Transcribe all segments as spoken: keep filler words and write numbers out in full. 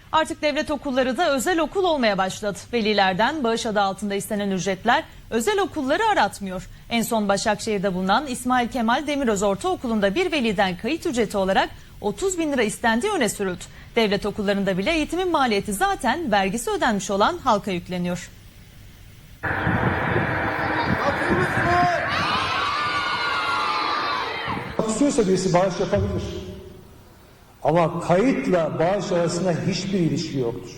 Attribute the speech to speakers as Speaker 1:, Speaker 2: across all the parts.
Speaker 1: Artık devlet okulları da özel okul olmaya başladı. Velilerden bağış adı altında istenen ücretler özel okulları aratmıyor. En son Başakşehir'de bulunan İsmail Kemal Demiröz Ortaokulu'nda bir veliden kayıt ücreti olarak otuz bin lira istendiği öne sürüldü. Devlet okullarında bile eğitimin maliyeti zaten vergisi ödenmiş olan halka yükleniyor.
Speaker 2: İstiyorsa birisi bağış yapabilir. Ama kayıtla bağış arasında hiçbir ilişki yoktur.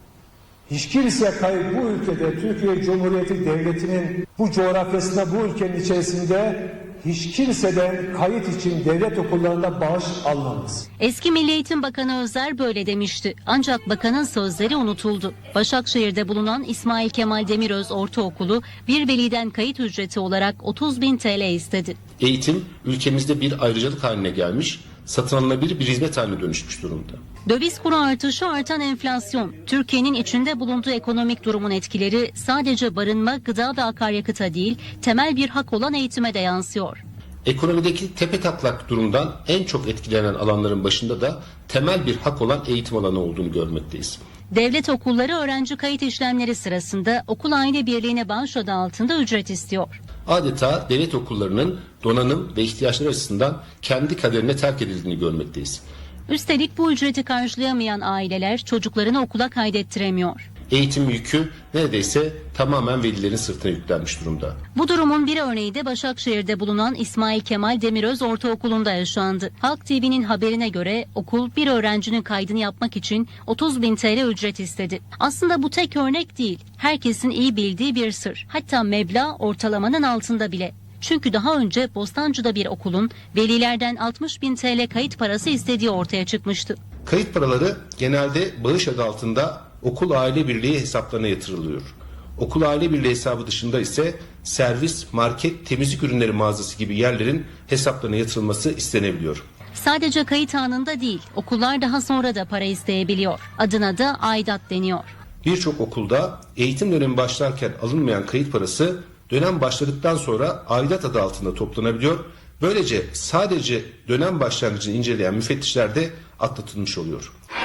Speaker 2: Hiç kimse kayıt bu ülkede, Türkiye Cumhuriyeti Devleti'nin bu coğrafyasında, bu ülkenin içerisinde hiç kimseden kayıt için devlet okullarında bağış almamız.
Speaker 3: Eski Milli Eğitim Bakanı Özer böyle demişti. Ancak bakanın sözleri unutuldu. Başakşehir'de bulunan İsmail Kemal Demiröz Ortaokulu bir veliden kayıt ücreti olarak otuz bin T L istedi.
Speaker 4: Eğitim ülkemizde bir ayrıcalık haline gelmiş, satın alınabilir bir hizmet haline dönüşmüş durumda.
Speaker 3: Döviz kuru artışı, artan enflasyon, Türkiye'nin içinde bulunduğu ekonomik durumun etkileri sadece barınma, gıda ve akaryakıta değil, temel bir hak olan eğitime de yansıyor.
Speaker 4: Ekonomideki tepetaklak durumdan en çok etkilenen alanların başında da temel bir hak olan eğitim alanı olduğunu görmekteyiz.
Speaker 3: Devlet okulları öğrenci kayıt işlemleri sırasında okul aile birliğine bağış adı altında ücret istiyor.
Speaker 4: Adeta devlet okullarının donanım ve ihtiyaçları açısından kendi kaderine terk edildiğini görmekteyiz.
Speaker 3: Üstelik bu ücreti karşılayamayan aileler çocuklarını okula kaydettiremiyor.
Speaker 4: Eğitim yükü neredeyse tamamen velilerin sırtına yüklenmiş durumda.
Speaker 3: Bu durumun bir örneği de Başakşehir'de bulunan İsmail Kemal Demiröz Ortaokulu'nda yaşandı. Halk T V'nin haberine göre okul bir öğrencinin kaydını yapmak için otuz bin T L ücret istedi. Aslında bu tek örnek değil. Herkesin iyi bildiği bir sır. Hatta meblağ ortalamanın altında bile. Çünkü daha önce Bostancı'da bir okulun velilerden altmış bin T L kayıt parası istediği ortaya çıkmıştı.
Speaker 4: Kayıt paraları genelde bağış adı altında okul aile birliği hesaplarına yatırılıyor. Okul aile birliği hesabı dışında ise servis, market, temizlik ürünleri mağazası gibi yerlerin hesaplarına yatırılması istenebiliyor.
Speaker 3: Sadece kayıt anında değil, okullar daha sonra da para isteyebiliyor. Adına da aidat deniyor.
Speaker 4: Birçok okulda eğitim dönemi başlarken alınmayan kayıt parası dönem başladıktan sonra aidat adı altında toplanabiliyor. Böylece sadece dönem başlangıcını inceleyen müfettişler de atlatılmış oluyor.